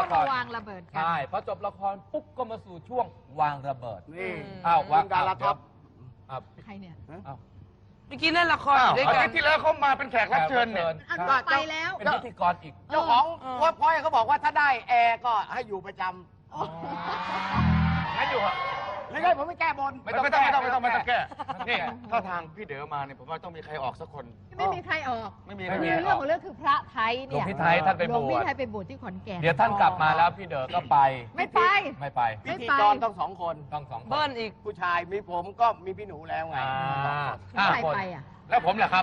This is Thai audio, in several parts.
มาวางระเบิดกันใช่พอจบละครปุ๊บก็มาสู่ช่วงวางระเบิดนี่อ้าววางดาราท็อปใครเนี่ยอ้าวเมื่อกี้เล่นละครอยู่ด้วยอากัทินตย์ที่แล้วเขามาเป็นแขกรับเชิญเนี่ยอันต่อไปแล้วเป็นพิธีกรอีกเจ้าของเว็บพอยต์เขาบอกว่าถ้าได้แอร์ก็ให้อยู่ประจำงั้นอยู่เหรอไม่ได้ผมไม่แก้บนไม่ต้องแก้นี่ถ้าทางพี่เด๋อมาเนี่ยผมว่าต้องมีใครออกสักคนไม่มีใครออกไม่มีคือเรื่องของเรื่องคือพระไทยหลวเนี่งยพี่ไทยท่านไปหลบวงพี่วชไทยไปบวชที่ขอนแก่นเดี๋ยวท่านกลับมาแล้วพี่เด๋อก็ไปไม่ไปไม่ไปพิธีกรต้องสองคนต้องสองคนเบิ้ลอีกผู้ชายมีผมก็มีพี่หนูแล้วไงห้าใครคนไปอ่ะแล้วผมล่ะครับ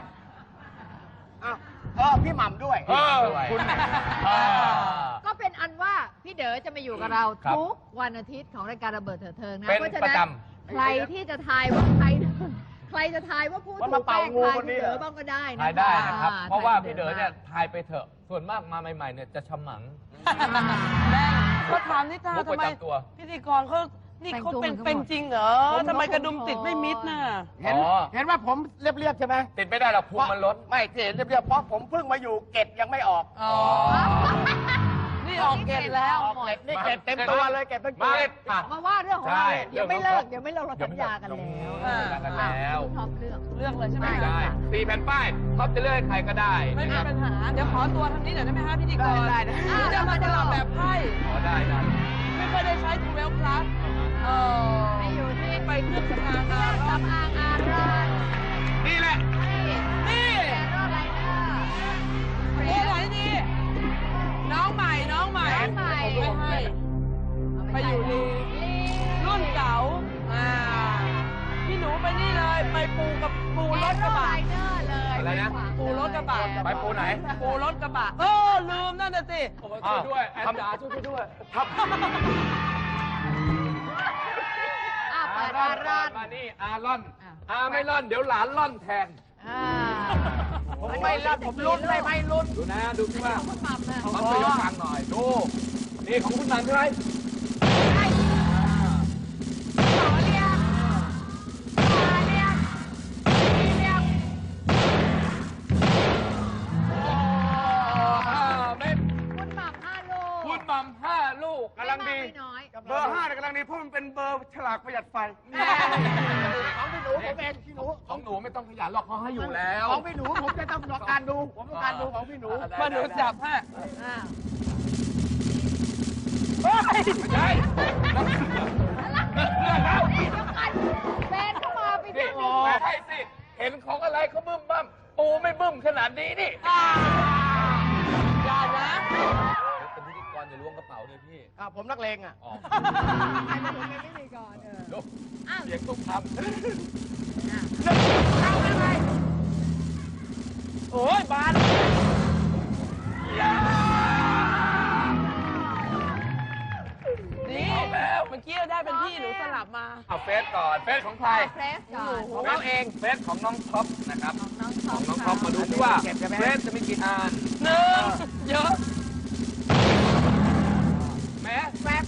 พี่หม่ำด้วยคุณก็เป็นอันว่าพี่เด๋อจะมาอยู่กับเราครับทุกวันอาทิตย์ของรายการระเบิดเถิดเทิงนะเป็นเพราะฉะประนั้นจใครที่จะทายว่าใครจะทายว่าผู้ถูกแป้งทายพี่เด๋อบ้างก็ได้นะทายได้นะครับอ่เพราะว่าทพี่เด๋อเนี่ยทายไปเถอะ ส่วนมากมาใหม่ๆเนี่ยจะฉมังแม่เขาถามนิตามุกทำประไมจำตัวพิธีกรเขานี่เขาเป็นจริงเหรอทำไมกระดุมติดไม่มิดน่ะเห็นว่าผมเรียบๆใช่ไหมติดไม่ได้หรอกพุงมันล้นไม่เห็นเรียบๆเพราะผมเพิ่งมาอยู่เกตยังไม่ออกอ๋อ นี่ออกเกตแล้วออกเกตนี่เกตเต็มตัวเลยเกตทั้งตัวมาว่าเรื่องของเราใช่เดี๋ยวไม่เลิกเราสัญญากันแล้วสัญญากันแล้วชอบเรื่องเลือกเลยใช่ไหมไม่ได้4แผ่นป้ายท็อปจะเลือกให้ใครก็ได้ไม่มีนะครับปัญหา เดี๋ยวขอตัวทางนี้หน่อยได้ไหมฮะพิธีกรได้หรือจะมาตลาดแบบไพ่ขอได้นะไม่ค่อยได้ใช้ทูเวลพลัสไปอยู่ที่ไปเครื่องสำอางเครื่องสำอางอารอนนี่แหละนี่แอโรไลเนอร์นี่ไหนดีน้องใหม่ ไม่ให้ ไปอยู่ลีรุ่นเก่าพี่หนูไปนี่เลย ไปปูรถกระบะเนอร์เลยอะไรนะปูรถกระบะไปปูไหนปูรถกระบะลืมนั่นน่ะสิช่วยด้วยแอนจ๋าช่วยด้วยเปิดอารอนมานี่อาร่อนไม่ร่อนเดี๋ยวหลานร่อนแทนผมไม่รับผมลุ้นเลยไม่ลุ้นดูนะดูที่ว่าคุณหม่ำนะเขาจะยกฟังหน่อยดูนี่ของคุณหนันใช่ไหมคุณหม่ำ5 ลูกคุณหม่ำ5 ลูกกำลังดีไม่น้อยเบอร์5เนี่ยกำลังดีเพราะมันเป็นเบอร์ฉลากประหยัดไฟของพี่หนูผมเองพี่หนูของหนูไม่ต้องขยันหรอกเขาให้อยู่แล้วของพี่หนูผมจะต้องการดูผมต้องการดูของพี่หนูมาหนูจับให้ไม่ใช่แฟนเข้ามาไปนี่ที่ไม่ใช่สิ เห็นของอะไรเขาบึ้มบ้ามปูไม่บึ้มขนาดนี้นี่อย่านะเป็นพิธีกรจะล้วงกระเป๋าเลยพี่ผมนักเลงอ่ะใครมาถึงในพิธีกรดูอ้าวเสียงตุ้มทโอ้ยบานนี่เมื่อกี้ได้เป็นพี่หนูสลับมาเอาเฟซก่อน เฟซของใครเฟสก่อนของเราเอง เฟซของน้องท็อปนะครับของน้องท็ขอองปน้องท็อปมาดูที่ว่า เฟซจะมีกี่อันเยอะแม้แฟบ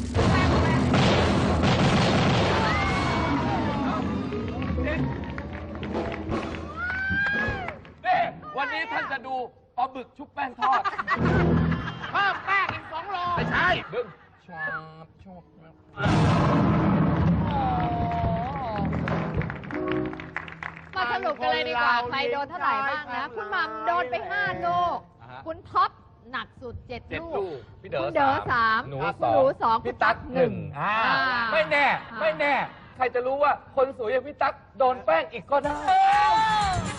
นี่วันนี้ท่านจะดูปลาบึกชุบแป้งทอดเพิ่มแป้งอีก2 โลไม่ใช่ดึงชาบชอบมาสรุปกันเลยดีกว่า ใครโดนเท่าไหร่บ้างนะ คุณหม่ำโดนไป5 ลูก คุณท็อปหนักสุด 7 ลูกพี่คุณเด๋อ3 หนูคุณหนู2 พี่ตั๊ก1ไม่แน่ ใครจะรู้ว่าคนสวยอย่างพี่ตั๊กโดนแป้งอีกก็ได้